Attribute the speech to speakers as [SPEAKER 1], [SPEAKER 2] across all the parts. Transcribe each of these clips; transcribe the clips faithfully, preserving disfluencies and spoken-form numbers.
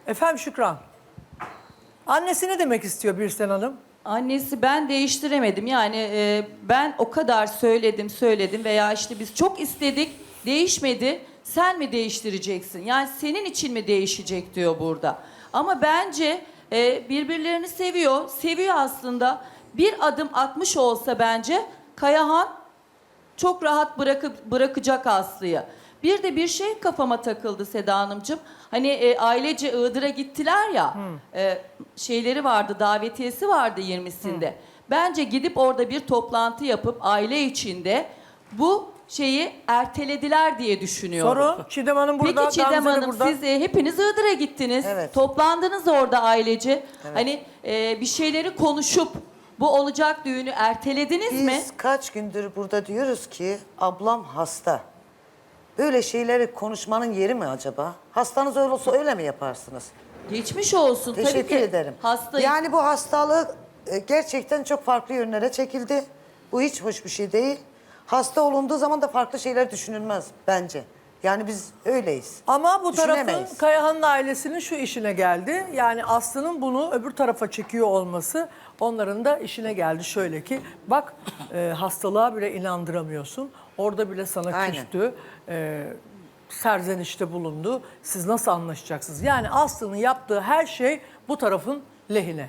[SPEAKER 1] Efendim Şükran. Annesi ne demek istiyor Birsen Hanım?
[SPEAKER 2] Annesi ben değiştiremedim. Yani e, ben o kadar söyledim söyledim veya işte biz çok istedik değişmedi. Sen mi değiştireceksin? Yani senin için mi değişecek diyor burada. Ama bence e, birbirlerini seviyor. Seviyor aslında. Bir adım atmış olsa bence Kayahan çok rahat bırakıp bırakacak Aslı'yı. Bir de bir şey kafama takıldı Seda Hanımcığım. Hani e, ailece Iğdır'a gittiler ya. E, şeyleri vardı, davetiyesi vardı yirmisinde. Bence gidip orada bir toplantı yapıp aile içinde bu şeyi ertelediler diye düşünüyorum.
[SPEAKER 1] Soru Çiğdem Hanım burada.
[SPEAKER 2] Peki Çiğdem
[SPEAKER 1] Gamze de
[SPEAKER 2] Hanım
[SPEAKER 1] burada.
[SPEAKER 2] siz e, hepiniz Iğdır'a gittiniz.
[SPEAKER 3] Evet.
[SPEAKER 2] Toplandınız orada ailece. Hani e, bir şeyleri konuşup bu olacak düğünü ertelediniz
[SPEAKER 3] Biz
[SPEAKER 2] mi?
[SPEAKER 3] kaç gündür burada diyoruz ki ablam hasta. Böyle şeyleri konuşmanın yeri mi acaba? Hastanız öyle olsa öyle mi yaparsınız?
[SPEAKER 2] Geçmiş olsun. Tabii
[SPEAKER 3] Teşekkür
[SPEAKER 2] ki
[SPEAKER 3] ederim.
[SPEAKER 2] Hastayım.
[SPEAKER 3] Yani bu hastalık e, gerçekten çok farklı yönlere çekildi. Bu hiç hoş bir şey değil. Hasta olunduğu zaman da farklı şeyler düşünülmez bence. Yani biz öyleyiz.
[SPEAKER 1] Ama bu tarafın
[SPEAKER 3] Düşünemeyiz.
[SPEAKER 1] Kayahan'ın ailesinin şu işine geldi. Yani Aslı'nın bunu öbür tarafa çekiyor olması onların da işine geldi. Şöyle ki bak e, hastalığa bile inandıramıyorsun. Orada bile sana
[SPEAKER 3] Aynen.
[SPEAKER 1] küstü. E, serzenişte bulundu. Siz nasıl anlaşacaksınız? Yani Aslı'nın yaptığı her şey bu tarafın lehine.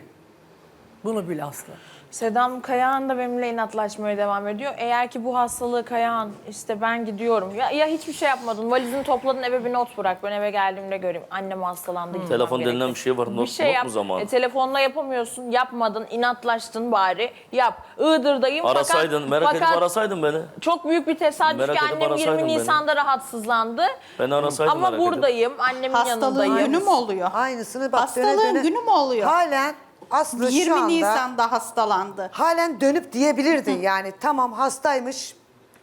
[SPEAKER 1] Bunu bil Aslı.
[SPEAKER 4] Sedam Kayahan da benimle inatlaşmaya devam ediyor. Eğer ki bu hastalığı Kayahan işte ben gidiyorum. Ya, ya hiçbir şey yapmadın. Valizini topladın eve bir not bırak. Ben eve geldiğimde göreyim. Annem hastalandı. gitmem
[SPEAKER 5] Telefon
[SPEAKER 4] gerekti.
[SPEAKER 5] denilen bir şey var. Not,
[SPEAKER 4] Bir şey
[SPEAKER 5] not
[SPEAKER 4] yap.
[SPEAKER 5] mu zamanı?
[SPEAKER 4] E, telefonla yapamıyorsun. Yapmadın. İnatlaştın bari. Yap. Iğdır'dayım.
[SPEAKER 5] Arasaydın,
[SPEAKER 4] fakat,
[SPEAKER 5] merak
[SPEAKER 4] fakat
[SPEAKER 5] edip arasaydın beni.
[SPEAKER 4] çok büyük bir tesadüf
[SPEAKER 5] Merak
[SPEAKER 4] ki
[SPEAKER 5] edip
[SPEAKER 4] annem
[SPEAKER 5] arasaydın
[SPEAKER 4] yirmi
[SPEAKER 5] beni.
[SPEAKER 4] Nisan'da rahatsızlandı.
[SPEAKER 5] Beni arasaydın
[SPEAKER 4] Ama
[SPEAKER 5] merak edip.
[SPEAKER 4] buradayım. Annemin
[SPEAKER 6] Hastalığın
[SPEAKER 4] yanındayım.
[SPEAKER 6] günü mü oluyor?
[SPEAKER 3] Aynısını bak
[SPEAKER 6] Hastalığın
[SPEAKER 3] döne döne.
[SPEAKER 6] günü mü oluyor?
[SPEAKER 3] Halen Aslı şu
[SPEAKER 6] yirmi
[SPEAKER 3] anda
[SPEAKER 6] Nisan'da hastalandı.
[SPEAKER 3] halen dönüp diyebilirdi. Yani tamam hastaymış.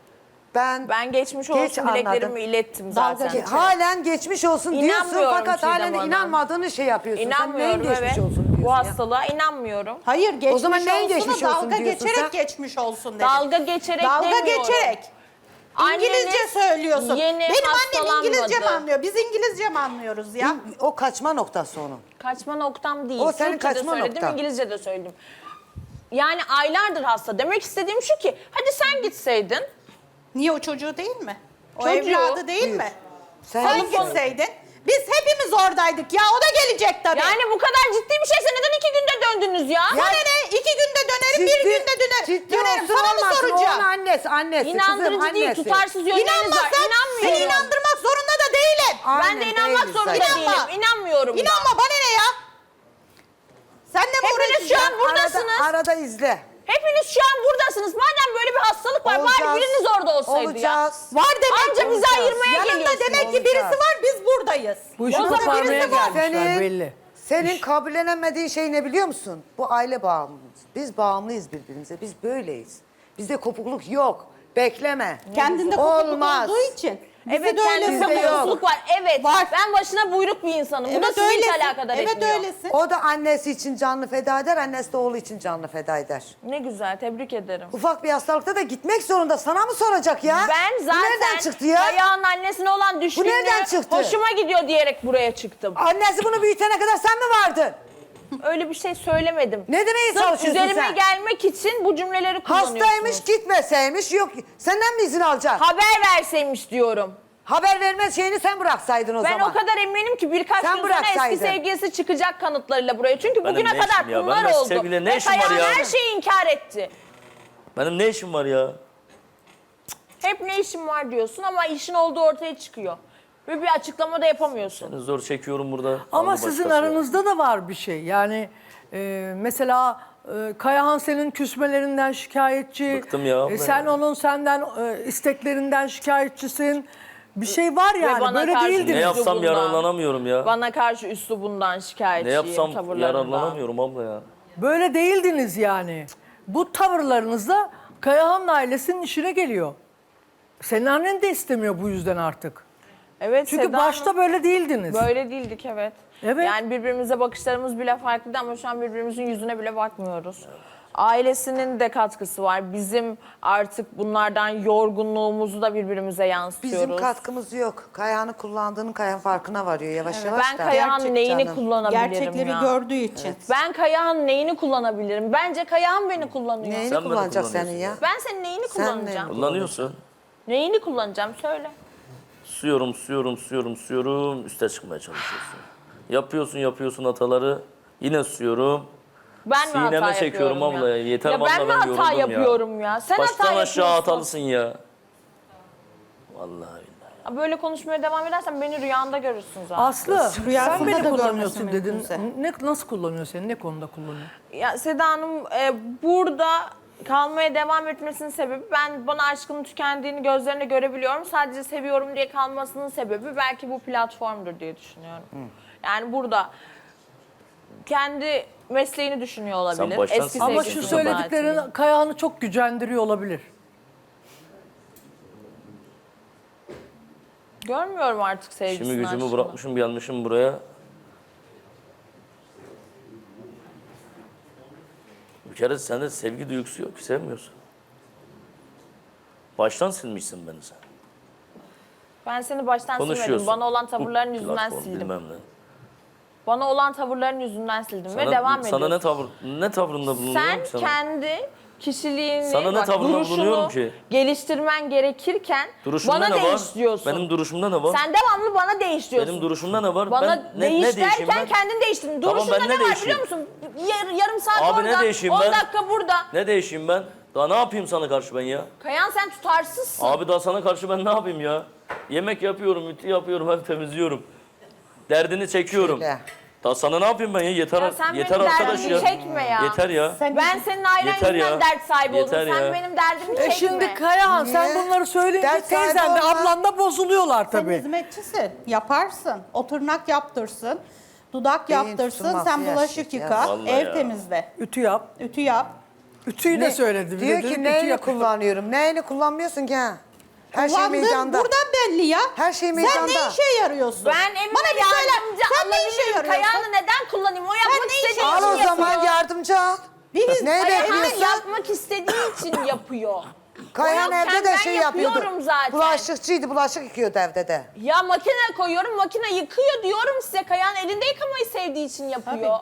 [SPEAKER 3] Ben,
[SPEAKER 4] Ben geçmiş
[SPEAKER 3] Geç
[SPEAKER 4] olsun
[SPEAKER 3] anladım.
[SPEAKER 4] dileklerimi ilettim zaten.
[SPEAKER 3] Ge- halen geçmiş olsun diyorsun
[SPEAKER 4] İnanmıyorum
[SPEAKER 3] fakat
[SPEAKER 4] Çiğdem
[SPEAKER 3] halen de
[SPEAKER 4] Hanım.
[SPEAKER 3] inanmadığını şey yapıyorsun.
[SPEAKER 4] İnanmıyorum
[SPEAKER 3] Sen neyin geçmiş
[SPEAKER 4] evet.
[SPEAKER 3] olsun diyorsun
[SPEAKER 4] Bu
[SPEAKER 3] ya?
[SPEAKER 4] hastalığa inanmıyorum.
[SPEAKER 6] Hayır geçmiş
[SPEAKER 3] O zaman neyin
[SPEAKER 6] olsunu
[SPEAKER 3] geçmiş olsun
[SPEAKER 6] dalga
[SPEAKER 3] diyorsun
[SPEAKER 6] geçerek
[SPEAKER 3] sen?
[SPEAKER 6] geçmiş olsun dedim.
[SPEAKER 4] Dalga geçerek
[SPEAKER 6] Dalga
[SPEAKER 4] demiyorum.
[SPEAKER 6] geçerek. İngilizce
[SPEAKER 4] Anneniz
[SPEAKER 6] söylüyorsun.
[SPEAKER 4] yeni
[SPEAKER 6] Benim annem
[SPEAKER 4] hastalanmadı.
[SPEAKER 6] İngilizce mi anlıyor? Biz İngilizce mi anlıyoruz ya?
[SPEAKER 3] O kaçma noktası onun.
[SPEAKER 4] Kaçma noktam değil.
[SPEAKER 3] O senin
[SPEAKER 4] Türkçe de
[SPEAKER 3] kaçma
[SPEAKER 4] söyledim,
[SPEAKER 3] noktan.
[SPEAKER 4] İngilizce de söyledim. Yani aylardır hasta. Demek istediğim şu ki, hadi sen gitseydin.
[SPEAKER 6] Niye o çocuğu değil mi? O
[SPEAKER 4] Çocuğu.
[SPEAKER 6] evladı değil
[SPEAKER 3] Buyur.
[SPEAKER 6] mi?
[SPEAKER 3] Sen
[SPEAKER 6] Sen
[SPEAKER 3] gitseydin.
[SPEAKER 6] gitseydin. Biz hepimiz oradaydık ya. O da gelecek tabii.
[SPEAKER 4] Yani bu kadar ciddi bir şeyse neden iki günde döndünüz ya?
[SPEAKER 6] Bana ne? İki günde dönerim, bir günde döner,
[SPEAKER 3] ciddi
[SPEAKER 6] dönerim.
[SPEAKER 3] olsun
[SPEAKER 6] Sana mı
[SPEAKER 3] olmasın,
[SPEAKER 6] soracağım?
[SPEAKER 3] Onun annesi, annesi,
[SPEAKER 4] İnandırıcı
[SPEAKER 3] kızım,
[SPEAKER 4] değil,
[SPEAKER 3] annesi.
[SPEAKER 4] tutarsız yönleriniz var.
[SPEAKER 6] İnanmasan seni
[SPEAKER 4] İnanmıyorum.
[SPEAKER 6] inandırmak zorunda da değilim.
[SPEAKER 3] Aynen,
[SPEAKER 4] Ben de inanmak
[SPEAKER 3] değiliz
[SPEAKER 4] zorunda
[SPEAKER 3] zaten.
[SPEAKER 4] değilim. İnanmıyorum da.
[SPEAKER 6] İnanma bana ne ya? Sen de mi
[SPEAKER 4] Hepiniz şu an
[SPEAKER 6] uğraşacaksın?
[SPEAKER 4] buradasınız.
[SPEAKER 3] Arada, arada izle.
[SPEAKER 4] Hepiniz şu an buradasınız. Madem böyle bir hastalık var,
[SPEAKER 3] Olacağız.
[SPEAKER 4] bari biriniz orada olsaydı
[SPEAKER 3] Olacağız.
[SPEAKER 4] ya.
[SPEAKER 6] Var demek
[SPEAKER 4] Anca
[SPEAKER 6] ki
[SPEAKER 4] bizi
[SPEAKER 6] olacağız.
[SPEAKER 4] ayırmaya
[SPEAKER 6] Yanında
[SPEAKER 4] geliyorsunuz.
[SPEAKER 6] demek ki birisi
[SPEAKER 3] Olacağız.
[SPEAKER 6] var, biz buradayız.
[SPEAKER 1] Bu işi
[SPEAKER 6] Yanında
[SPEAKER 1] koparmaya
[SPEAKER 6] birisi var.
[SPEAKER 1] gelmişler
[SPEAKER 3] Senin,
[SPEAKER 1] belli.
[SPEAKER 3] senin kabullenemediğin şey ne biliyor musun? Bu aile bağımlıyız. Biz bağımlıyız birbirimize. Biz böyleyiz. Bizde kopukluk yok. Bekleme.
[SPEAKER 6] Kendinde kopukluk
[SPEAKER 3] Olmaz.
[SPEAKER 6] olduğu için. Bizi
[SPEAKER 4] Evet,
[SPEAKER 6] de öyle
[SPEAKER 4] kendisinde
[SPEAKER 3] Bizde yok.
[SPEAKER 6] sanıyorsun.
[SPEAKER 4] bozukluk var. Evet,
[SPEAKER 6] Var.
[SPEAKER 4] ben başına buyruk bir insanım. Bu da
[SPEAKER 6] Evet
[SPEAKER 4] sizi hiç
[SPEAKER 6] öylesin.
[SPEAKER 4] alakadar
[SPEAKER 6] Evet
[SPEAKER 4] etmiyor.
[SPEAKER 6] öylesin.
[SPEAKER 3] O da annesi için canını feda eder, annesi de oğlu için canını feda eder.
[SPEAKER 4] Ne güzel, tebrik ederim.
[SPEAKER 3] Ufak bir hastalıkta da gitmek zorunda. Sana mı soracak ya?
[SPEAKER 4] Ben
[SPEAKER 3] Bu nereden
[SPEAKER 4] zaten
[SPEAKER 3] çıktı ya?
[SPEAKER 4] Kayağın annesine olan düşkünlüğü
[SPEAKER 3] nereden çıktı?
[SPEAKER 4] hoşuma gidiyor diyerek buraya çıktım.
[SPEAKER 3] Annesi bunu büyütene kadar sen mi vardın?
[SPEAKER 4] Öyle bir şey söylemedim.
[SPEAKER 3] Ne demeye
[SPEAKER 4] Sırf
[SPEAKER 3] çalışıyorsun
[SPEAKER 4] üzerime
[SPEAKER 3] sen?
[SPEAKER 4] gelmek için bu cümleleri kullanıyorsunuz.
[SPEAKER 3] Hastaymış, gitmeseymiş, yok. Senden mi izin alacak?
[SPEAKER 4] Haber verseymiş diyorum.
[SPEAKER 3] Haber verme şeyini sen bıraksaydın o
[SPEAKER 4] Ben
[SPEAKER 3] zaman.
[SPEAKER 4] o kadar eminim ki birkaç
[SPEAKER 3] Sen
[SPEAKER 4] gün sonra eski
[SPEAKER 3] bıraksaydın.
[SPEAKER 4] sevgilisi çıkacak kanıtlarıyla buraya. Çünkü
[SPEAKER 5] Benim
[SPEAKER 4] bugüne
[SPEAKER 5] ne
[SPEAKER 4] kadar
[SPEAKER 5] işim ya?
[SPEAKER 4] bunlar
[SPEAKER 5] Benim
[SPEAKER 4] oldu.
[SPEAKER 5] sevgiliyle ne
[SPEAKER 4] Ve
[SPEAKER 5] işim var
[SPEAKER 4] Kayahan
[SPEAKER 5] ya?
[SPEAKER 4] her şeyi inkar etti.
[SPEAKER 5] Benim ne işim var ya?
[SPEAKER 4] Hep ne işin var diyorsun ama işin olduğu ortaya çıkıyor. Ve bir açıklama da yapamıyorsun.
[SPEAKER 5] Zor çekiyorum burada.
[SPEAKER 1] Ama
[SPEAKER 5] Aldı
[SPEAKER 1] sizin
[SPEAKER 5] başkası.
[SPEAKER 1] aranızda da var bir şey. Yani e, mesela e, Kayahan senin küsmelerinden şikayetçi.
[SPEAKER 5] Bıktım ya abla
[SPEAKER 1] E, sen
[SPEAKER 5] ya.
[SPEAKER 1] onun senden e, isteklerinden şikayetçisin. Bir şey var yani.
[SPEAKER 4] bana
[SPEAKER 1] Böyle
[SPEAKER 4] karşı
[SPEAKER 1] değildiniz.
[SPEAKER 5] Ne yapsam
[SPEAKER 4] Üslubundan.
[SPEAKER 5] yararlanamıyorum ya.
[SPEAKER 4] Bana karşı üslubundan
[SPEAKER 5] Ne
[SPEAKER 4] şikayetçiyim,
[SPEAKER 5] yapsam
[SPEAKER 4] tavırlarından.
[SPEAKER 5] yararlanamıyorum abla ya.
[SPEAKER 1] Böyle değildiniz yani. Bu tavırlarınızla Kayahan'ın ailesinin işine geliyor. Senin annen de istemiyor bu yüzden artık.
[SPEAKER 4] Evet,
[SPEAKER 1] Çünkü
[SPEAKER 4] Seda
[SPEAKER 1] başta
[SPEAKER 4] Hanım,
[SPEAKER 1] böyle değildiniz.
[SPEAKER 4] böyle değildik evet.
[SPEAKER 1] Evet.
[SPEAKER 4] Yani birbirimize bakışlarımız bile farklıydı ama şu an birbirimizin yüzüne bile bakmıyoruz. Ailesinin de katkısı var. Bizim artık bunlardan yorgunluğumuzu da birbirimize yansıtıyoruz.
[SPEAKER 3] Bizim katkımız yok. Kayağını kullandığının Kayahan farkına varıyor yavaş yavaş
[SPEAKER 4] Ben
[SPEAKER 3] da.
[SPEAKER 4] Kayahan
[SPEAKER 6] Gerçek
[SPEAKER 4] neyini
[SPEAKER 6] canım.
[SPEAKER 4] kullanabilirim
[SPEAKER 6] Gerçekleri
[SPEAKER 4] ya?
[SPEAKER 6] gördüğü için.
[SPEAKER 4] Ben Kayahan neyini kullanabilirim? Bence Kayahan beni kullanıyor.
[SPEAKER 3] Neyini
[SPEAKER 5] Sen beni
[SPEAKER 3] kullanacak
[SPEAKER 5] kullanıyorsun
[SPEAKER 3] senin ya?
[SPEAKER 5] ya.
[SPEAKER 4] Ben senin neyini
[SPEAKER 3] Sen
[SPEAKER 4] kullanacağım?
[SPEAKER 3] ne?
[SPEAKER 5] Kullanıyorsun.
[SPEAKER 4] Neyini kullanacağım söyle.
[SPEAKER 5] Suyorum, suyorum, suyorum, suyorum. Üste çıkmaya çalışıyorsun. Yapıyorsun, yapıyorsun hataları. Yine suyorum.
[SPEAKER 4] Ben mi
[SPEAKER 5] Sineme
[SPEAKER 4] hata
[SPEAKER 5] çekiyorum
[SPEAKER 4] yapıyorum
[SPEAKER 5] abla
[SPEAKER 4] ya?
[SPEAKER 5] ya. Yeter
[SPEAKER 4] ya
[SPEAKER 5] vallahi
[SPEAKER 4] ben mi
[SPEAKER 5] ben
[SPEAKER 4] hata
[SPEAKER 5] yoruldum ya.
[SPEAKER 4] yapıyorum ya? Sen
[SPEAKER 5] Baştan
[SPEAKER 4] hata
[SPEAKER 5] aşağı
[SPEAKER 4] yapıyorsun.
[SPEAKER 5] hatalısın ya. Vallahi billahi.
[SPEAKER 4] Böyle konuşmaya devam edersen beni rüyanda görürsün zaten.
[SPEAKER 1] Aslı sen
[SPEAKER 6] Rüyasında
[SPEAKER 1] beni
[SPEAKER 6] da
[SPEAKER 1] kullanıyorsun
[SPEAKER 6] görmesi
[SPEAKER 1] dedin.
[SPEAKER 6] mümkünse.
[SPEAKER 1] Ne, nasıl kullanıyor seni? Ne konuda kullanıyor?
[SPEAKER 4] Ya Seda Hanım e, burada kalmaya devam etmesinin sebebi ben bana aşkının tükendiğini gözlerinde görebiliyorum. Sadece seviyorum diye kalmasının sebebi belki bu platformdur diye düşünüyorum. Yani burada kendi mesleğini düşünüyor olabilir.
[SPEAKER 5] baştan
[SPEAKER 4] Eski
[SPEAKER 5] silmek
[SPEAKER 1] Ama
[SPEAKER 4] sevgilisini
[SPEAKER 1] şu
[SPEAKER 5] istiyorsun
[SPEAKER 1] söylediklerin
[SPEAKER 4] belki.
[SPEAKER 1] Kayahan'ı çok gücendiriyor olabilir.
[SPEAKER 4] Görmüyorum artık sevgisini.
[SPEAKER 5] Şimdi gücümü
[SPEAKER 4] aşkını.
[SPEAKER 5] bırakmışım, gelmişim buraya. Bir kere sende sevgi duygusu yok ki, sevmiyorsun. Baştan silmişsin beni sen.
[SPEAKER 4] Ben seni baştan silmedim.
[SPEAKER 5] Konuşuyorsun.
[SPEAKER 4] Bana olan tavırların
[SPEAKER 5] Bu
[SPEAKER 4] yüzünden
[SPEAKER 5] platform,
[SPEAKER 4] sildim.
[SPEAKER 5] bilmem ne.
[SPEAKER 4] Bana olan tavırların yüzünden sildim ve
[SPEAKER 5] Sana-
[SPEAKER 4] devam
[SPEAKER 5] Sana
[SPEAKER 4] ediyorsun.
[SPEAKER 5] ne tavır, ne tavrında bulunuyorum
[SPEAKER 4] Sen
[SPEAKER 5] ki sana?
[SPEAKER 4] kendi kişiliğini,
[SPEAKER 5] Sana ne
[SPEAKER 4] bak,
[SPEAKER 5] tavırda
[SPEAKER 4] duruşunu
[SPEAKER 5] bulunuyorum ki?
[SPEAKER 4] geliştirmen gerekirken
[SPEAKER 5] Duruşumda
[SPEAKER 4] bana
[SPEAKER 5] ne var?
[SPEAKER 4] değiş diyorsun.
[SPEAKER 5] Benim duruşumda ne var?
[SPEAKER 4] Sen devamlı bana değiş diyorsun.
[SPEAKER 5] Benim duruşumda ne var?
[SPEAKER 4] Bana
[SPEAKER 5] ben ne,
[SPEAKER 4] değiş
[SPEAKER 5] ne değişeyim
[SPEAKER 4] derken
[SPEAKER 5] ben?
[SPEAKER 4] kendin değiştirdin.
[SPEAKER 5] Tamam,
[SPEAKER 4] Duruşunda
[SPEAKER 5] ben
[SPEAKER 4] ne
[SPEAKER 5] ne
[SPEAKER 4] var
[SPEAKER 5] değişeyim?
[SPEAKER 4] biliyor musun? Yar- yarım saat
[SPEAKER 5] Abi ne
[SPEAKER 4] orada,
[SPEAKER 5] değişeyim
[SPEAKER 4] on
[SPEAKER 5] ben?
[SPEAKER 4] dakika burada.
[SPEAKER 5] Ne değişeyim ben? Daha ne yapayım sana karşı ben ya?
[SPEAKER 4] Kayan sen tutarsızsın.
[SPEAKER 5] Abi daha sana karşı ben ne yapayım ya? Yemek yapıyorum, ütü yapıyorum, hep temizliyorum. Derdini çekiyorum.
[SPEAKER 3] Şöyle.
[SPEAKER 5] Daha sana ne yapayım ben ya? Yeter,
[SPEAKER 4] Ya sen
[SPEAKER 5] yeter
[SPEAKER 4] benim
[SPEAKER 5] arkadaş
[SPEAKER 4] derdimi
[SPEAKER 5] ya.
[SPEAKER 4] çekme ya.
[SPEAKER 5] Yeter ya.
[SPEAKER 4] Ben senin ailen
[SPEAKER 5] Yeter
[SPEAKER 4] yüzünden
[SPEAKER 5] ya.
[SPEAKER 4] dert sahibi
[SPEAKER 5] Yeter
[SPEAKER 4] oldum. Sen
[SPEAKER 5] ya.
[SPEAKER 4] benim derdimi çekme.
[SPEAKER 1] E şimdi Kayahan sen
[SPEAKER 3] Niye?
[SPEAKER 1] bunları söyleyince
[SPEAKER 3] Dert sahibi
[SPEAKER 1] teyzen de
[SPEAKER 3] olma.
[SPEAKER 1] ablan da bozuluyorlar
[SPEAKER 6] Sen
[SPEAKER 1] tabii.
[SPEAKER 6] hizmetçisin. Yaparsın. O tırnak yaptırsın. Dudak
[SPEAKER 3] Beyin
[SPEAKER 6] yaptırsın.
[SPEAKER 3] tutulması
[SPEAKER 6] Sen bulaşık
[SPEAKER 3] yaşlı ya.
[SPEAKER 6] yıka.
[SPEAKER 5] Vallahi
[SPEAKER 6] Ev
[SPEAKER 5] ya.
[SPEAKER 6] temizle.
[SPEAKER 1] Ütü yap.
[SPEAKER 6] Ütü yap.
[SPEAKER 1] Ütüyü de söyledi. Bir de
[SPEAKER 3] Diyor
[SPEAKER 1] dedim,
[SPEAKER 3] ki
[SPEAKER 1] ütü
[SPEAKER 3] neyini
[SPEAKER 1] yap.
[SPEAKER 3] kullanıyorum? Neyini kullanmıyorsun ki ha? Her şey
[SPEAKER 6] Kullandığın
[SPEAKER 3] meydanda.
[SPEAKER 6] buradan belli ya.
[SPEAKER 3] Her şey
[SPEAKER 6] Sen
[SPEAKER 3] meydanda.
[SPEAKER 6] ne işe yarıyorsun?
[SPEAKER 4] Ben evime
[SPEAKER 6] Bana bir söyle.
[SPEAKER 4] yardımcı
[SPEAKER 6] Sen ne işe
[SPEAKER 4] alabilirim.
[SPEAKER 6] yarıyorsun?
[SPEAKER 4] Kayağını neden kullanayım? O yapmak
[SPEAKER 6] ne işe
[SPEAKER 4] istediği
[SPEAKER 3] Al
[SPEAKER 4] için
[SPEAKER 3] o zaman
[SPEAKER 4] yapıyor.
[SPEAKER 3] yardımcı al.
[SPEAKER 6] Biz
[SPEAKER 3] Ne
[SPEAKER 4] Kayağını
[SPEAKER 3] bekliyorsun?
[SPEAKER 4] yapmak istediği için yapıyor.
[SPEAKER 3] Kayan
[SPEAKER 4] O
[SPEAKER 3] evde
[SPEAKER 4] yokken
[SPEAKER 3] de
[SPEAKER 4] ben
[SPEAKER 3] şey yapıyordu.
[SPEAKER 4] yapıyorum zaten.
[SPEAKER 3] Bulaşıkçıydı, bulaşık yıkıyordu evde de.
[SPEAKER 4] Ya makine koyuyorum, makine yıkıyor diyorum size. Kayan elinde yıkamayı sevdiği için yapıyor.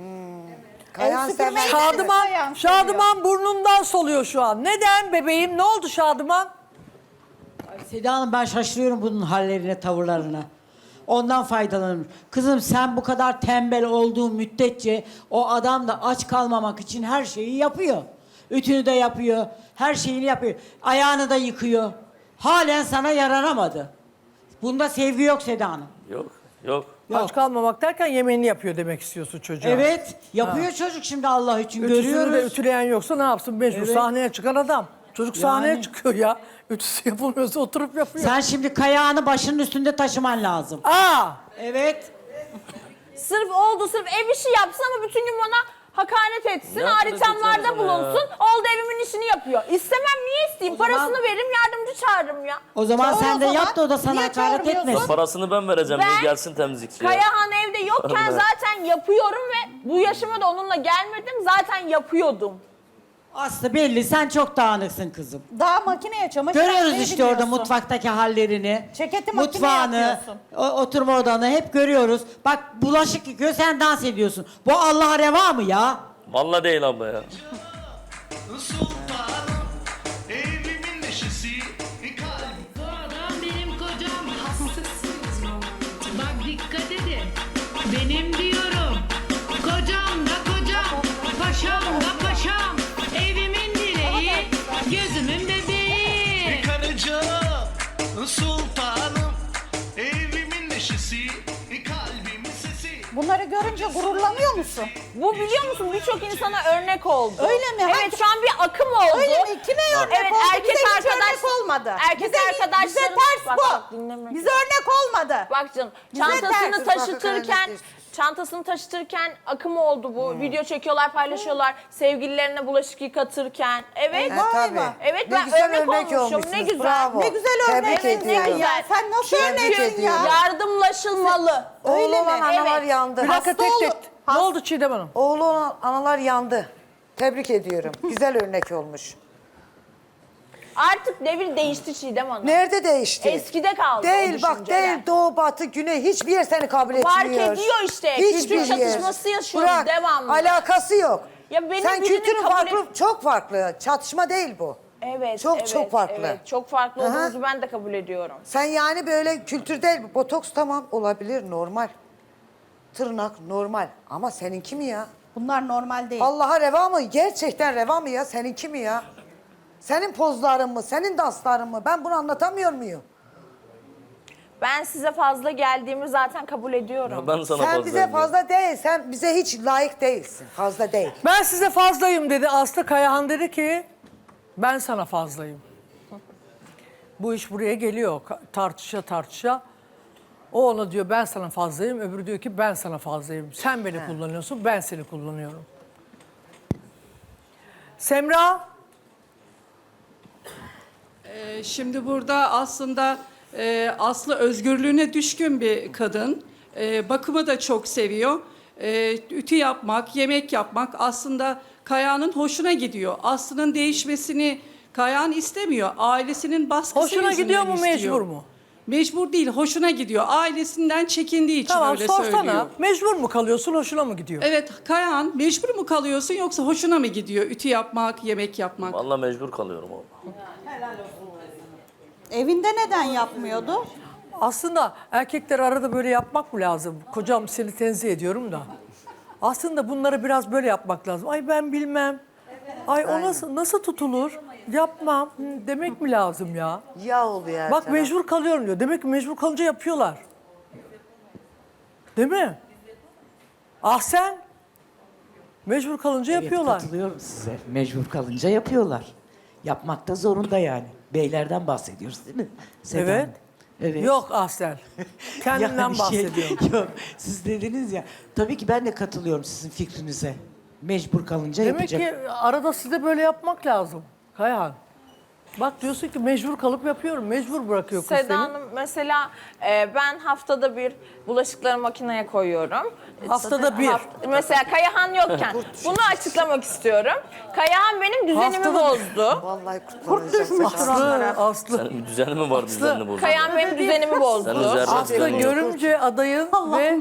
[SPEAKER 3] Kayan
[SPEAKER 6] süpürmeyi-
[SPEAKER 3] sever.
[SPEAKER 1] Şadıman,
[SPEAKER 6] Kayahan
[SPEAKER 1] Şadıman burnundan soluyor şu an. Neden bebeğim? Ne oldu Şadıman?
[SPEAKER 7] Seda Hanım ben şaşırıyorum bunun hallerine, tavırlarına. Ondan faydalanırım. Kızım sen bu kadar tembel olduğun müddetçe o adam da aç kalmamak için her şeyi yapıyor. Ütünü de yapıyor, her şeyini yapıyor. Ayağını da yıkıyor. Halen sana yaranamadı. Bunda sevgi yok Seda Hanım.
[SPEAKER 5] Yok, yok.
[SPEAKER 7] Yok.
[SPEAKER 1] Aç kalmamak derken yemeğini yapıyor demek istiyorsun çocuğa.
[SPEAKER 7] Evet, yapıyor çocuk şimdi Allah için
[SPEAKER 1] Ütüsünü
[SPEAKER 7] görüyoruz.
[SPEAKER 1] de ütüleyen yoksa ne yapsın? Mecbur
[SPEAKER 7] Evet.
[SPEAKER 1] sahneye çıkan adam. Çocuk sahneye
[SPEAKER 7] Yani.
[SPEAKER 1] çıkıyor ya. Ütüsü yapılmıyorsa oturup yapıyor.
[SPEAKER 7] Sen şimdi kayağını başının üstünde taşıman lazım.
[SPEAKER 1] Aa!
[SPEAKER 7] Evet.
[SPEAKER 4] Sırf oldu, sırf ev işi yapsın ama bütün gün bana hakaret etsin,
[SPEAKER 5] Ne hakaret
[SPEAKER 4] aritemlarda
[SPEAKER 5] edeceğim sana
[SPEAKER 4] bulunsun.
[SPEAKER 5] ya?
[SPEAKER 4] Oldu evimin işini yapıyor. İstemem, niye isteyeyim?
[SPEAKER 7] O zaman-
[SPEAKER 4] Parasını veririm, yardımcı çağırırım ya.
[SPEAKER 7] O zaman
[SPEAKER 6] Tamam,
[SPEAKER 7] sen
[SPEAKER 6] o
[SPEAKER 7] de
[SPEAKER 6] zaman
[SPEAKER 7] yap da o da sana
[SPEAKER 6] niye
[SPEAKER 7] hakaret
[SPEAKER 6] çağırmıyorsun?
[SPEAKER 7] etmesin.
[SPEAKER 5] Parasını ben vereceğim
[SPEAKER 4] Ben-
[SPEAKER 5] diye gelsin temizlikçi ya.
[SPEAKER 4] Kayahan evde yokken
[SPEAKER 5] Allah.
[SPEAKER 4] zaten yapıyorum ve bu yaşıma da onunla gelmedim. Zaten yapıyordum.
[SPEAKER 7] Aslı belli sen çok dağınıksın kızım.
[SPEAKER 6] Daha makineye çamaşır
[SPEAKER 7] Görüyoruz
[SPEAKER 6] atmayı
[SPEAKER 7] işte orada
[SPEAKER 6] biliyorsun.
[SPEAKER 7] mutfaktaki hallerini.
[SPEAKER 6] Ceketi makineye
[SPEAKER 7] mutfağını,
[SPEAKER 6] atıyorsun.
[SPEAKER 7] o- oturma odanı hep görüyoruz. Bak bulaşık yıkıyor sen dans ediyorsun. Bu Allah'a reva mı ya?
[SPEAKER 5] Vallahi değil abla ya.
[SPEAKER 8] Sultanım, evimin neşesi, kalbim.
[SPEAKER 9] Bu adam benim kocam. Hassasınız mı? Bak dikkat edin. Benim diyorum. Kocam da kocam. Paşam da paşam. Evimin direği. Gözümün bebeği.
[SPEAKER 8] Karıca, sultanım, evimin neşesi, kalbimin sesi.
[SPEAKER 6] Bunları görünce gururlanıyor musun?
[SPEAKER 4] Bu biliyor musun birçok insana örnek oldu.
[SPEAKER 6] Öyle mi?
[SPEAKER 4] Evet
[SPEAKER 6] Hangi-
[SPEAKER 4] şu an bir akım oldu.
[SPEAKER 6] Öyle mi? Kime örnek
[SPEAKER 4] Evet,
[SPEAKER 6] oldu?
[SPEAKER 4] erkek
[SPEAKER 6] bize hiç
[SPEAKER 4] arkadaş-
[SPEAKER 6] örnek olmadı.
[SPEAKER 4] erkek
[SPEAKER 6] bize,
[SPEAKER 4] arkadaşlarım-
[SPEAKER 6] Bize ters
[SPEAKER 4] Bak,
[SPEAKER 6] bu.
[SPEAKER 4] bak, dinleme.
[SPEAKER 6] Bize örnek olmadı.
[SPEAKER 4] Bak canım
[SPEAKER 6] Bize
[SPEAKER 4] çantasını
[SPEAKER 6] ters.
[SPEAKER 4] taşıtırken çantasını taşıtırken akım oldu bu. Video çekiyorlar, paylaşıyorlar. Sevgililerine bulaşık yıkatırken. Evet.
[SPEAKER 3] Ha, tabii.
[SPEAKER 4] Evet,
[SPEAKER 3] Ne
[SPEAKER 4] ben
[SPEAKER 3] güzel
[SPEAKER 4] örnek olmuşum,
[SPEAKER 3] olmuşsunuz,
[SPEAKER 4] ne güzel.
[SPEAKER 3] Bravo.
[SPEAKER 6] Ne güzel örnek.
[SPEAKER 3] Tebrik
[SPEAKER 4] Evet, ne
[SPEAKER 3] ediyorum.
[SPEAKER 4] güzel.
[SPEAKER 6] Sen nasıl
[SPEAKER 3] Tebrik
[SPEAKER 6] örneksin ya?
[SPEAKER 3] ediyorum.
[SPEAKER 4] Yardımlaşılmalı.
[SPEAKER 3] Oğlu olan analar
[SPEAKER 4] Evet.
[SPEAKER 3] yandı.
[SPEAKER 1] Bir dakika
[SPEAKER 3] Hasta
[SPEAKER 1] tek
[SPEAKER 3] oldu.
[SPEAKER 1] tek. Ne oldu Çiğdem Hanım?
[SPEAKER 3] Oğlu olan analar yandı. Tebrik ediyorum. Güzel örnek olmuş.
[SPEAKER 4] Artık devir değişti Çiğdem Hanım.
[SPEAKER 3] Nerede değişti?
[SPEAKER 4] Eskide kaldı o
[SPEAKER 3] Değil bak
[SPEAKER 4] düşünceler.
[SPEAKER 3] değil doğu batı güney hiçbir yer seni kabul etmiyor.
[SPEAKER 4] Fark ediyor işte. Kültür çatışması yaşıyoruz
[SPEAKER 3] Bırak,
[SPEAKER 4] devamlı.
[SPEAKER 3] alakası yok.
[SPEAKER 4] Ya benim
[SPEAKER 3] Sen
[SPEAKER 4] birinin
[SPEAKER 3] kültürün
[SPEAKER 4] kabul
[SPEAKER 3] farklı
[SPEAKER 4] et-
[SPEAKER 3] çok farklı. Çatışma değil bu.
[SPEAKER 4] Evet,
[SPEAKER 3] Çok
[SPEAKER 4] evet,
[SPEAKER 3] çok farklı.
[SPEAKER 4] Evet, çok farklı
[SPEAKER 3] Aha.
[SPEAKER 4] olduğunuzu ben de kabul ediyorum.
[SPEAKER 3] Sen yani böyle kültür değil bu. Botoks tamam olabilir normal. Tırnak normal. Ama seninki mi ya?
[SPEAKER 6] Bunlar normal değil.
[SPEAKER 3] Allah'a reva mı? Gerçekten reva mı ya? Seninki mi ya? Senin pozların mı? Senin dansların mı? Ben bunu anlatamıyor muyum?
[SPEAKER 4] Ben size fazla geldiğimi zaten kabul ediyorum.
[SPEAKER 5] Ben sana
[SPEAKER 3] Sen
[SPEAKER 5] fazla
[SPEAKER 3] bize
[SPEAKER 5] eminim.
[SPEAKER 3] fazla değil. Sen bize hiç layık değilsin. Fazla değil.
[SPEAKER 1] Ben size fazlayım dedi. Aslı Kayahan dedi ki ben sana fazlayım. Bu iş buraya geliyor ka- tartışa tartışa. O ona diyor ben sana fazlayım. Öbürü diyor ki ben sana fazlayım. Sen beni kullanıyorsun ben seni kullanıyorum. Semra.
[SPEAKER 10] Ee, Şimdi burada aslında e, Aslı özgürlüğüne düşkün bir kadın. E, bakımı da çok seviyor. E, ütü yapmak, yemek yapmak aslında Kaya'nın hoşuna gidiyor. Aslı'nın değişmesini Kayahan istemiyor. Ailesinin baskısı
[SPEAKER 1] Hoşuna
[SPEAKER 10] yüzünden
[SPEAKER 1] gidiyor mu
[SPEAKER 10] istiyor.
[SPEAKER 1] mecbur mu?
[SPEAKER 10] Mecbur değil, hoşuna gidiyor. Ailesinden çekindiği için
[SPEAKER 1] Tamam
[SPEAKER 10] öyle
[SPEAKER 1] sorsana.
[SPEAKER 10] söylüyor.
[SPEAKER 1] Mecbur mu kalıyorsun hoşuna mı gidiyor?
[SPEAKER 10] Evet, Kayahan mecbur mu kalıyorsun yoksa hoşuna mı gidiyor? Ütü yapmak, yemek yapmak.
[SPEAKER 5] Vallahi mecbur kalıyorum oğlum.
[SPEAKER 6] Evinde neden yapmıyordu?
[SPEAKER 1] Aslında erkekler arada böyle yapmak mı lazım? Kocam seni tenzih ediyorum da. Aslında bunları biraz böyle yapmak lazım. Ay ben bilmem. Ay o nasıl, nasıl tutulur? Yapmam. Hı, demek mi lazım ya?
[SPEAKER 3] Ya oluyor her
[SPEAKER 1] Bak
[SPEAKER 3] taraf.
[SPEAKER 1] mecbur kalıyorum diyor. Demek ki mecbur kalınca yapıyorlar. Değil mi? Ah sen? Mecbur kalınca yapıyorlar.
[SPEAKER 11] Evet, katılıyorum size. Mecbur kalınca yapıyorlar. Yapmakta zorunda yani. Beylerden bahsediyoruz değil mi? Seda
[SPEAKER 1] Evet.
[SPEAKER 11] Hanım? Evet.
[SPEAKER 1] Yok Ahsen. Kendinden
[SPEAKER 11] Yani şey-
[SPEAKER 1] bahsediyorum.
[SPEAKER 11] yok. Siz dediniz ya. Tabii ki ben de katılıyorum sizin fikrinize. Mecbur kalınca
[SPEAKER 1] Demek
[SPEAKER 11] yapacak.
[SPEAKER 1] ki arada size böyle yapmak lazım. Kayhan. Bak diyorsun ki mecbur kalıp yapıyorum. Mecbur bırakıyor kız seni.
[SPEAKER 4] Seda Hanım mesela e, ben haftada bir bulaşıkları makineye koyuyorum.
[SPEAKER 1] Haftada bir.
[SPEAKER 4] Haft- mesela Kayahan yokken bunu açıklamak istiyorum. Kayahan benim düzenimi
[SPEAKER 1] Haftada-
[SPEAKER 4] bozdu.
[SPEAKER 3] Vallahi kutlanacak.
[SPEAKER 1] Aslı, Aslı.
[SPEAKER 5] Senin bir düzeni mi var düzenini bozuyor?
[SPEAKER 4] Kayahan benim düzenimi
[SPEAKER 5] Senin
[SPEAKER 4] bozdu.
[SPEAKER 5] zerre
[SPEAKER 1] Aslı
[SPEAKER 5] düzenin yok.
[SPEAKER 1] görümce adayın ve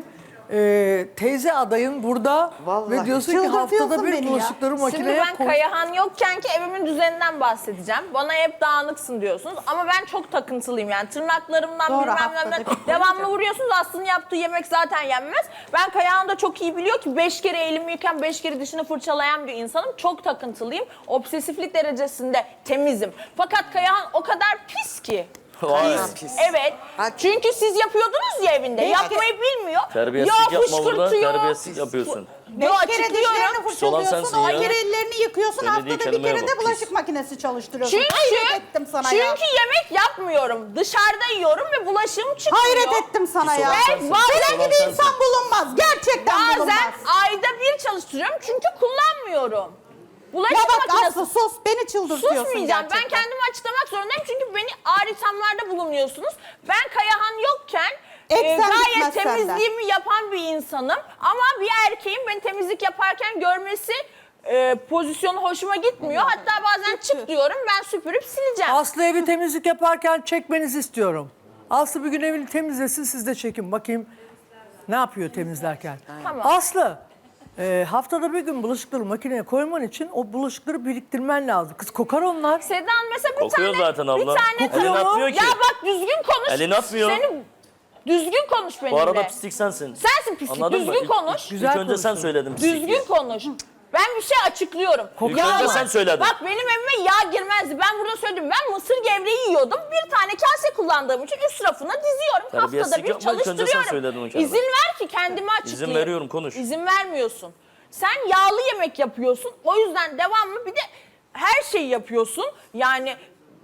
[SPEAKER 1] e, teyze adayın burada
[SPEAKER 3] Vallahi.
[SPEAKER 1] ve diyorsun ki
[SPEAKER 6] Çıldırtıyorsun
[SPEAKER 1] haftada bir
[SPEAKER 6] beni ya.
[SPEAKER 1] bulaşıkları
[SPEAKER 4] Şimdi
[SPEAKER 1] makineye
[SPEAKER 4] ben
[SPEAKER 1] koy.
[SPEAKER 4] Kayahan yokken ki evimin düzeninden bahsedeceğim. Bana hep dağınıksın diyorsunuz ama ben çok takıntılıyım yani tırnaklarımdan
[SPEAKER 6] Doğru,
[SPEAKER 4] bilmem
[SPEAKER 6] haftada
[SPEAKER 4] nemden
[SPEAKER 6] bir
[SPEAKER 4] devamlı vuruyorsunuz. Aslında yaptığı yemek zaten yenmez. Ben Kayahan da çok iyi biliyor ki beş kere elimi yıkan beş kere dişini fırçalayan bir insanım. Çok takıntılıyım. Obsesiflik derecesinde temizim. Fakat Kayahan o kadar pis ki.
[SPEAKER 5] Vay.
[SPEAKER 4] Evet.
[SPEAKER 3] Ha-
[SPEAKER 4] Çünkü siz yapıyordunuz ya evinde. Yapmayı bilmiyor.
[SPEAKER 5] Terbiyesizlik
[SPEAKER 4] Yağ
[SPEAKER 5] yapma burada.
[SPEAKER 4] fışkırtıyor.
[SPEAKER 5] Terbiyesizlik yapıyorsun.
[SPEAKER 6] Beş
[SPEAKER 4] Yo,
[SPEAKER 6] kere
[SPEAKER 4] açıklıyorum.
[SPEAKER 6] dişlerini
[SPEAKER 5] olan
[SPEAKER 6] fırçalıyorsun,
[SPEAKER 5] sensin
[SPEAKER 6] on
[SPEAKER 5] ya.
[SPEAKER 6] kere ellerini yıkıyorsun,
[SPEAKER 5] Söylediği
[SPEAKER 6] haftada bir
[SPEAKER 5] kelimeye
[SPEAKER 6] kere de
[SPEAKER 5] bak,
[SPEAKER 6] bulaşık
[SPEAKER 5] pis.
[SPEAKER 6] makinesi çalıştırıyorsun.
[SPEAKER 4] Çünkü,
[SPEAKER 6] Hayret ettim sana
[SPEAKER 4] çünkü
[SPEAKER 6] ya.
[SPEAKER 4] yemek yapmıyorum. Dışarıda yiyorum ve bulaşığım çıkmıyor.
[SPEAKER 6] Hayret ettim sana
[SPEAKER 5] Pis
[SPEAKER 6] ya.
[SPEAKER 5] olan
[SPEAKER 4] Ben
[SPEAKER 5] sensin.
[SPEAKER 4] bazen
[SPEAKER 6] Senin gibi
[SPEAKER 5] sensin.
[SPEAKER 6] insan bulunmaz. Gerçekten
[SPEAKER 4] Bazen
[SPEAKER 6] bulunmaz.
[SPEAKER 4] ayda bir çalıştırıyorum çünkü kullanmıyorum. Bulaşık
[SPEAKER 6] Ya bak
[SPEAKER 4] makinesi.
[SPEAKER 6] Aslı sus, beni çıldırtıyorsun
[SPEAKER 4] Susmayacağım. Ben
[SPEAKER 6] gerçekten.
[SPEAKER 4] kendimi açıklamak zorundayım çünkü beni ağır ithamlarda bulunuyorsunuz. Ben Kayahan yokken
[SPEAKER 6] Et
[SPEAKER 4] e,
[SPEAKER 6] sen
[SPEAKER 4] gayet
[SPEAKER 6] gitmezsen de.
[SPEAKER 4] temizliğimi yapan bir insanım. Ama bir erkeğin beni temizlik yaparken görmesi e, pozisyonu hoşuma gitmiyor. Hatta bazen çık diyorum ben süpürüp sileceğim.
[SPEAKER 1] Aslı evi temizlik yaparken çekmenizi istiyorum. Aslı bir gün evini temizlesin siz de çekin bakayım ne yapıyor temizlerken.
[SPEAKER 4] Tamam.
[SPEAKER 1] Aslı e, haftada bir gün bulaşıkları makineye koyman için o bulaşıkları biriktirmen lazım. Kız kokar onlar.
[SPEAKER 4] Sedan mesela bir
[SPEAKER 5] Kokuyor
[SPEAKER 4] tane
[SPEAKER 5] zaten abla.
[SPEAKER 4] bir tane
[SPEAKER 5] Elini
[SPEAKER 1] mu?
[SPEAKER 5] atmıyor ki.
[SPEAKER 4] Ya bak düzgün konuş.
[SPEAKER 5] Elini atmıyor.
[SPEAKER 4] Seni düzgün konuş benimle.
[SPEAKER 5] Bu arada pislik sensin.
[SPEAKER 4] Sensin pislik.
[SPEAKER 5] Anladın mı?
[SPEAKER 4] Düzgün
[SPEAKER 5] İlk-
[SPEAKER 4] konuş.
[SPEAKER 1] Güzel
[SPEAKER 5] İlk önce sen
[SPEAKER 1] konuştun.
[SPEAKER 5] söyledin pislik.
[SPEAKER 4] Düzgün konuş. Ben bir şey açıklıyorum.
[SPEAKER 5] İlk önce sen söyledin.
[SPEAKER 4] Bak benim evime yağ girmezdi. Ben burada söyledim. Ben mısır gevreği yiyordum. Bir tane kase kullandığım için üst rafına diziyorum. Haftada
[SPEAKER 5] Terbiyesizlik
[SPEAKER 4] bir
[SPEAKER 5] yapma, ilk önce sen
[SPEAKER 4] çalıştırıyorum.
[SPEAKER 5] söyledin o kelimeyi.
[SPEAKER 4] İzin ver ki kendimi açıklayayım.
[SPEAKER 5] İzin veriyorum, konuş.
[SPEAKER 4] İzin vermiyorsun. Sen yağlı yemek yapıyorsun. O yüzden devamlı bir de her şeyi yapıyorsun. Yani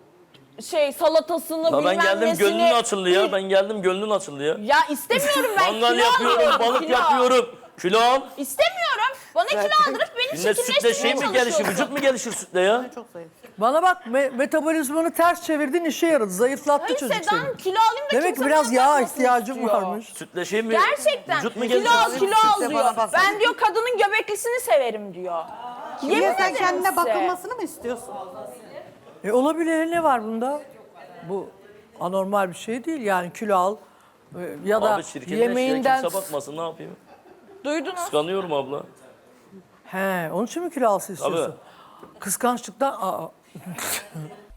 [SPEAKER 4] şey salatasını
[SPEAKER 5] Ya
[SPEAKER 4] bilmem
[SPEAKER 5] ben geldim
[SPEAKER 4] nesini.
[SPEAKER 5] gönlün açıldı ya. Ben geldim gönlün açıldı ya.
[SPEAKER 4] Ya istemiyorum ben.
[SPEAKER 5] Mangal
[SPEAKER 4] kilo
[SPEAKER 5] yapıyorum,
[SPEAKER 4] alıyorum,
[SPEAKER 5] balık
[SPEAKER 4] kilo.
[SPEAKER 5] yapıyorum. Kilo al.
[SPEAKER 4] İstemiyorum. Bana kilo aldırıp beni
[SPEAKER 5] Şimdi sütle şey
[SPEAKER 4] çirkinleştirmeye
[SPEAKER 5] mi gelişir,
[SPEAKER 4] çalışıyorsun.
[SPEAKER 5] vücut mu gelişir sütle ya?
[SPEAKER 1] Bana bak me- metabolizmanı ters çevirdin, işe yaradı. Zayıflattı
[SPEAKER 4] Hayır
[SPEAKER 1] çocuk
[SPEAKER 4] Sedan
[SPEAKER 1] seni.
[SPEAKER 4] kilo alayım da
[SPEAKER 1] Demek ki
[SPEAKER 4] kimse
[SPEAKER 1] biraz
[SPEAKER 4] bana
[SPEAKER 1] yağ
[SPEAKER 4] bakmasın
[SPEAKER 1] ihtiyacım
[SPEAKER 4] istiyor.
[SPEAKER 1] varmış.
[SPEAKER 5] Sütle şey mi?
[SPEAKER 4] Gerçekten.
[SPEAKER 5] Vücut mu
[SPEAKER 4] Kilo
[SPEAKER 5] gelişir?
[SPEAKER 4] al, kilo al
[SPEAKER 3] Size
[SPEAKER 4] diyor.
[SPEAKER 3] bana bahsedin.
[SPEAKER 4] Ben diyor kadının göbeklisini severim diyor. Yemin
[SPEAKER 6] Niye sen
[SPEAKER 4] ederim
[SPEAKER 6] kendine
[SPEAKER 4] size.
[SPEAKER 6] bakılmasını mı istiyorsun?
[SPEAKER 1] E olabilir, ne var bunda? Bu anormal bir şey değil yani, kilo al e, ya da
[SPEAKER 5] Abi çirkinleş
[SPEAKER 1] yemeğinden...
[SPEAKER 5] ya, kimse bakmasın, ne yapayım?
[SPEAKER 4] Duydunuz.
[SPEAKER 5] Kıskanıyorum abla.
[SPEAKER 1] He, onun için mi kilo alsın istiyorsun? Kıskançlıktan... Aa,